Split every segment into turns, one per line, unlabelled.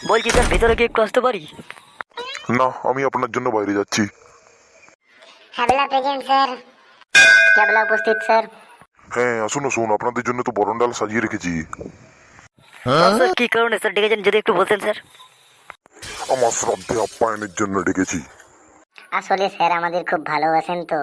বলছি স্যার, ভেতরে কি একটু আসতে পারি?
না, আমি আপনার জন্য বাইরে যাচ্ছি।
হ্যাবলা প্রেজেন্ট স্যার। ক্যাবলা উপস্থিত স্যার।
হ্যাঁ, আসুন আসুন, আপনাদের জন্য তো বরণ ডাল সাজিয়ে রেখেছি।
স্যার কি কারণে স্যার ডেকেছেন যদি একটু বলতেন স্যার।
আমার শ্রদ্ধে আপ্যায়নের জন্য ডেকেছি।
আসলে স্যার আমাদের খুব ভালোবাসেন তো,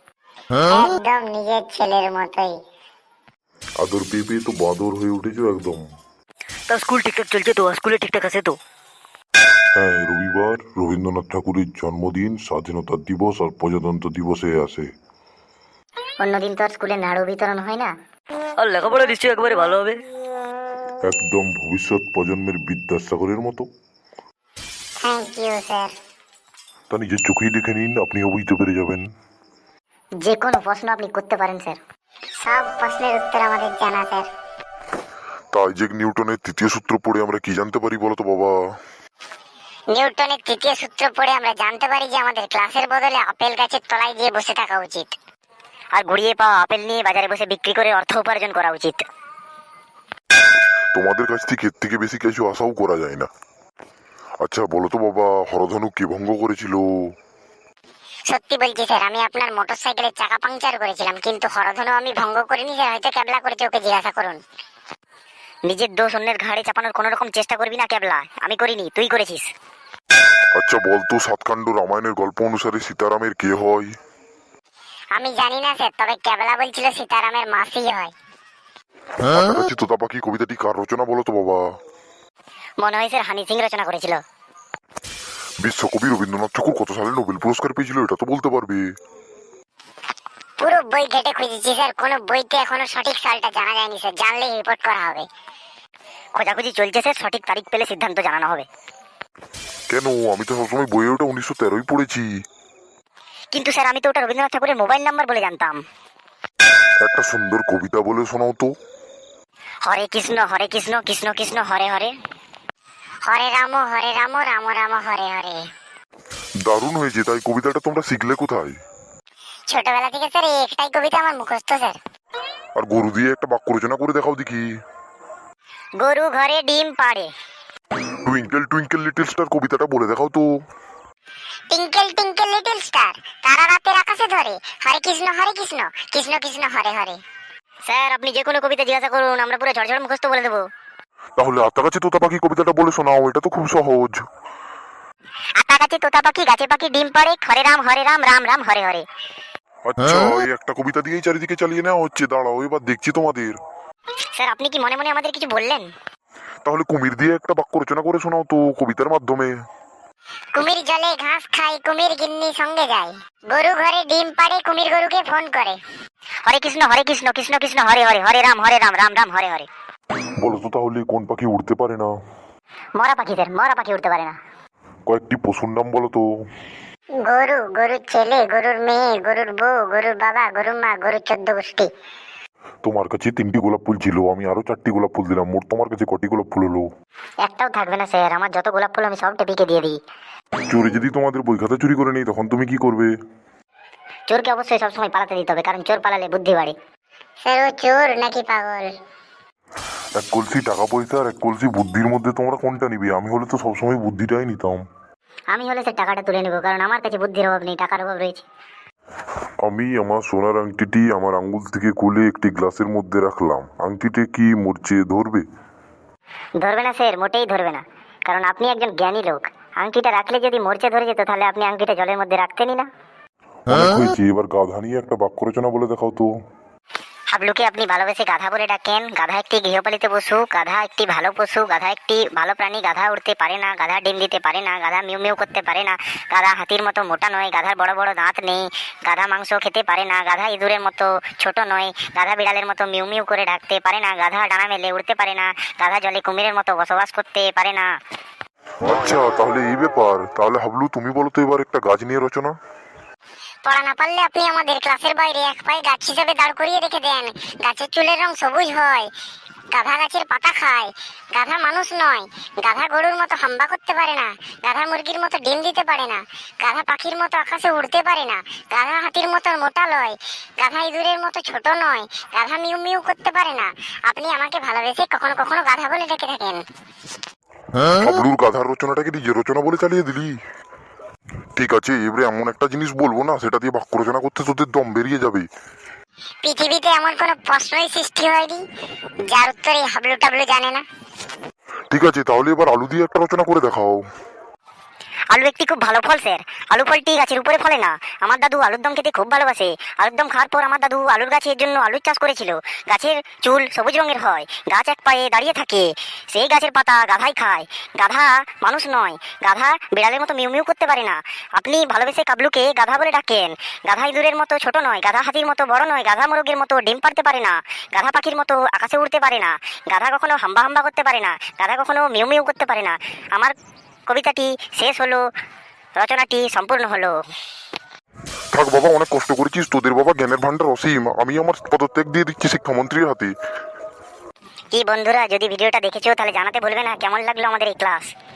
একদম নিজের ছেলের মতোই।
আদর পেয়ে পেয়ে তো বাদর হয়ে উঠেছো একদম।
তা স্কুল ঠিকঠাক চলছে তো? স্কুলে ঠিকঠাক আছে তো?
হ্যাঁ, রবিবার রবীন্দ্রনাথ ঠাকুরের জন্মদিন, স্বাধীনতা দিবস আর প্রজাতন্ত্র দিবসে আসে।
অন্যদিন তো আর স্কুলে নাড়ু বিতরণ হয় না।
আর লেখাপড়া নিশ্চয়ই একেবারে ভালো হবে।
একদম ভবিষ্যৎ প্রজন্মের বিদ্যাসাগরের মতো।
Thank you sir.
তা নিজের চোখেই দেখে নিন, আপনিও বুঝতে পেরে যাবেন।
যে কোনো প্রশ্ন আপনি করতে পারেন স্যার, সব প্রশ্নের উত্তর আমাদের জানা স্যার।
তা আইজ্যাক নিউটনের তৃতীয় সূত্র পড়ে আমরা কি জানতে পারি বলো তো বাবা?
নিউটনের তৃতীয় সূত্র পড়ে আমরা জানতে পারি যে আমাদের ক্লাসের বদলে আপেল গাছের তলায় গিয়ে বসে থাকা উচিত,
আর ঘুরিয়ে পাওয়া আপেল নিয়ে বাজারে বসে বিক্রি করে অর্থ উপার্জন করা উচিত।
তোমাদের কাছ থেকে এর থেকে বেশি কিছু আশাও করা যায় না। আচ্ছা বলো তো বাবা, হরধনু কে ভঙ্গ করেছিল?
সত্যি বলছি স্যার, আমি আপনার মোটরসাইকেলের চাকা পাংচার করেছিলাম, কিন্তু হরধনু আমি ভঙ্গ করিনি স্যার, হয়তো ক্যাবলা করেছে, ওকে জিজ্ঞাসা করুন।
নিজের দোষ অন্যের ঘাড়ে চাপানোর কোনো রকম চেষ্টা করবি না ক্যাবলা। আমি করিনি, তুই করেছিস।
আচ্ছা বলতো, সাতকাণ্ড রামায়ণের গল্প অনুসারে সীতারামের কে হয়?
আমি জানি না স্যার, তবে ক্যাবলা বলছিল সীতারামের মাসি হয়।
কাছাকাছি তোতা পাখি কবিতাটি কার রচনা বলো তো বাবা?
মনে হয় স্যার হানি সিং রচনা করেছিল।
বিশ্বকবি রবীন্দ্রনাথ ঠাকুর কত সালে নোবেল পুরস্কার পেয়েছিল এটা তো বলতে পারবে?
পুরো বই ঘেটে খুঁজেছি স্যার, কোনো বইতে এখনো সঠিক সালটা জানা যায়নি স্যার, জানলেই রিপোর্ট করা হবে।
খোঁজাখুঁজি চলছে স্যার, সঠিক তারিখ পেলে সিদ্ধান্ত জানানো হবে।
কেন, আমি তো সবসময় বইয়ে ওটা 1913ই পড়েছি।
কিন্তু স্যার আমি তো ওটা রবীন্দ্রনাথ ঠাকুরের মোবাইল নাম্বার বলে জানতাম।
একটা সুন্দর কবিতা বলে শোনাও তো।
হরে কৃষ্ণ কৃষ্ণ কৃষ্ণ হরে হরে,
হরে রাম রাম রাম হরে হরে।
দারুণ হয়েছে, তাই কবিতাটা তোমরা শিখলে কোথায়?
ছোটবেলা থেকে স্যার এই একটাই কবিতা আমার মুখস্থ স্যার।
আর গরু দিয়ে একটা বাক্য রচনা করে দেখাও দেখি।
গরু ঘরে ডিম পাড়ে।
টুইঙ্কেল টুইঙ্কেল লিটল স্টার কবিতাটা বলে দেখাও তো।
টিঙ্কেল টিঙ্কেল লিটল স্টার, তারা রাতের আকাশে ধরে, হরে কৃষ্ণ কৃষ্ণ কৃষ্ণ হরে হরে।
স্যার আপনি যে কোনো কবিতা জিজ্ঞাসা করুন, আমরা পুরো ঝড়ঝড় মুখস্থ বলে দেবো।
তাহলে আত্মা তোতা পাখি কবিতাটা বলে শোনাও, এটা তো খুব সহজ।
আতা গাছে তোতা পাখি, গাছে পাখি ডিম পাড়ে, হরে রাম রাম রাম হরে হরে।
আচ্ছা, ওই একটা কবিতা দিয়েই চারিদিকে চালিয়ে নেওয়া হচ্ছে, দাঁড়াও এবার দেখছি তোমাদের।
স্যার আপনি কি মনে মনে আমাদের কিছু বললেন?
তাহলে কুমির দিয়ে একটা বাক্য রচনা করে শোনাও তো কবিতার মাধ্যমে।
কুমির জলে ঘাস খায়, কুমির গিন্নি সঙ্গে যায়, গরু ঘরে ডিম পাড়ে, কুমির গরুকে ফোন করে।
হরে কৃষ্ণ কৃষ্ণ কৃষ্ণ হরে হরে, হরে রাম রাম রাম হরে হরে।
বলো তো তাহলে কোন পাখি উড়তে পারে না?
মরা পাখি স্যার, মরা পাখি উঠতে পারে না।
কয়েকটি পশুর নাম বলো তো।
গরু, গরুর ছেলে, গরুর মেয়ে, গরুর বউ, গরুর বাবা, গরুর মা, গরুর 14 গোষ্ঠী।
তোমার কাছে 3টি গোলাপ ফুল ছিল, আমি আরো 4টি গোলাপ ফুল দিলাম, মোট তোমার কাছে কটি গোলাপ ফুল হলো?
একটাও থাকবে না স্যার, আমার যত গোলাপ ফুল আমি সব টেপিকে দিয়ে দিই।
চোরে যদি তোমাদের বই খাতা চুরি করে নেই তখন তুমি কি করবে?
চোরকে অবশ্যই সবসময় পালাতে দিতে হবে, কারণ চোর পালালে বুদ্ধি বাড়ে।
স্যার ও চোর নাকি পাগল?
এক কলসি টাকা পয়সা আর এক কলসি বুদ্ধির মধ্যে তোমরা কোনটা নিবে? আমি হলে তো সবসময় বুদ্ধিটাই নিতাম।
আমি হলে স্যার টাকাটা তুলে নেবো, কারণ আমার কাছে বুদ্ধির অভাব নেই, টাকার অভাব রয়েছে।
আমি আমার সোনার আংটিটি আমার আঙ্গুল থেকে খুলে একটি গ্লাসের মধ্যে রাখলাম, আংটিতে কি মরচে ধরবে?
ধরবে না স্যার, মোটেই ধরবে না, কারণ আপনি একজন জ্ঞানী লোক। আংটিটা রাখলে যদি মরচে ধরে যেত, তাহলে আপনি আংটিটা জলের মধ্যে রাখতেনই না।
অনেক হয়েছে, এবার গাধা নিয়ে একটা বাক্য রচনা বলে দেখাও তো।
হাবলুকে আপনি ভালোবেসে গাধা বলে ডাকেন। গাধা একটি গৃহপালিত পশু, গাধা একটি ভালো পশু, গাধা একটি ভালো প্রাণী। গাধা উড়তে পারে না, গাধা ডিম দিতে পারে না, গাধা মিউ মিউ করতে পারে না, গাধা হাতির মতো মোটা নয়, গাধার বড় বড় দাঁত নেই, গাধা মাংস খেতে পারে না, গাধা ইঁদুরের মতো ছোট নয়, গাধা বিড়ালের মতো মিউ মিউ করে ডাকতে পারে না, গাধা ডানা মেলে উড়তে পারে না, গাধা জলে কুমিরের মতো বসবাস করতে পারে না।
আচ্ছা তাহলে এই ব্যাপার, তাহলে হাবলু তুমি বলো তো এবার একটা গাছ নিয়ে রচনা।
পড়া না পারলে আপনি আমাদের ক্লাসের বাইরে এক পায়ে গাছ হিসেবে দাঁড় করিয়ে রেখে দেন। গাছের চুলের রং সবুজ হয়, গাধা গাছের পাতা খায়, গাধা মানুষ নয়, গাধা গরুর মতো হাম্বা করতে পারে না, গাধা মুরগির মতো ডিম দিতে পারে না, গাধা পাখির মতো আকাশে উড়তে পারে না, গাধা হাতির মতো মোটা নয়, গাধা ইঁদুরের মতো ছোট নয়, গাধা মিউ মিউ করতে পারে না। আপনি আমাকে ভালোবেসে কখনো কখনো গাধা বলে ডেকে থাকেন।
হাবলুর গাধার রচনাটাকে নিজের রচনা বলে চালিয়ে দিলি। ঠিক আছে, এবারে এমন একটা জিনিস বলবো না, সেটা দিয়ে বাক্য রচনা করতে তোদের দম বেরিয়ে যাবে।
পৃথিবীতে এমন কোনো প্রশ্নই সৃষ্টি হয়নি যার উত্তর এই হাবলু টাবলু জানে না।
ঠিক আছে, তাহলে এবার আলু দিয়ে একটা রচনা করে দেখাও।
আলু একটি খুব ভালো ফল স্যার। আলু ফলটি গাছের উপরে ফলে না। আমার দাদু আলুর দম খেতে খুব ভালোবাসে। আলুর দম খাওয়ার পর আমার দাদু আলুর গাছের জন্য আলুর চাষ করেছিল। গাছের চুল সবুজ রঙের হয়, গাছ এক পায়ে দাঁড়িয়ে থাকে, সেই গাছের পাতা গাধাই খায়। গাধা মানুষ নয়, গাধা বিড়ালের মতো মিউ মিউ করতে পারে না। আপনি ভালোবেসে কাবলুকে গাধা বলে ডাকেন। গাধা ইঁদুরের মতো ছোট নয়, গাধা হাতির মতো বড় নয়, গাধা মোরগের মতো ডিম পাড়তে পারে না, গাধা পাখির মতো আকাশে উড়তে পারে না, গাধা কখনো হাম্বা হাম্বা করতে পারে না, গাধা কখনো মিউ মিউ করতে পারে না। আমার কবিতাটি শেষ হলো, রচনাটি সম্পূর্ণ হলো।
থাক বাবা, অনেক কষ্ট করেছিস, তোদের বাবা জ্ঞানের ভান্ডার অসীম। আমি আমার পদত্যাগ দিয়ে দিচ্ছি শিক্ষামন্ত্রীর হাতে।
কি বন্ধুরা, যদি ভিডিওটা দেখেছো তাহলে জানাতে বলবে না কেমন লাগলো আমাদের এই ক্লাস।